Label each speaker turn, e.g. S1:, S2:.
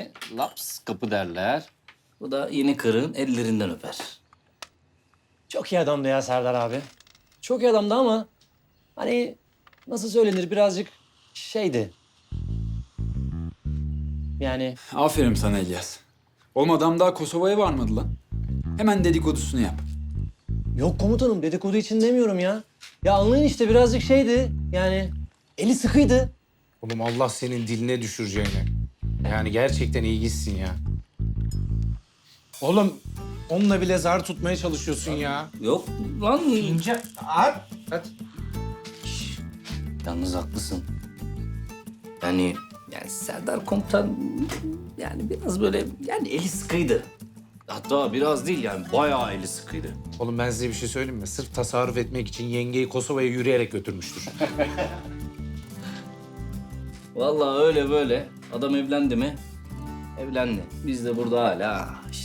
S1: geleni laps kapı derler.
S2: Bu da yeni kırığın ellerinden öper.
S3: Çok iyi adamdı ya Serdar abi. Çok iyi adamdı ama hani nasıl söylenir birazcık şeydi. Yani
S4: Aferin sana İlyas. Oğlum adam daha Kosova'ya varmadı lan. Hemen dedikodusunu yap.
S3: yok komutanım dedikodu için demiyorum ya. Ya anlayın işte birazcık şeydi yani eli sıkıydı.
S5: Oğlum Allah senin diline düşüreceğini. Yani gerçekten ilginçsin ya. Oğlum onunla bile zar tutmaya çalışıyorsun ya.
S2: Yok lan.
S5: İnce. Hadi.
S2: Yalnız haklısın. Yani Serdar komutan yani biraz böyle yani eli sıkıydı.
S1: Hatta biraz değil yani bayağı eli sıkıydı.
S5: Oğlum ben size bir şey söyleyeyim mi? Sırf tasarruf etmek için yengeyi Kosova'ya yürüyerek götürmüştür.
S2: Vallahi öyle böyle. Adam evlendi mi? Evlendi. Biz de burada hala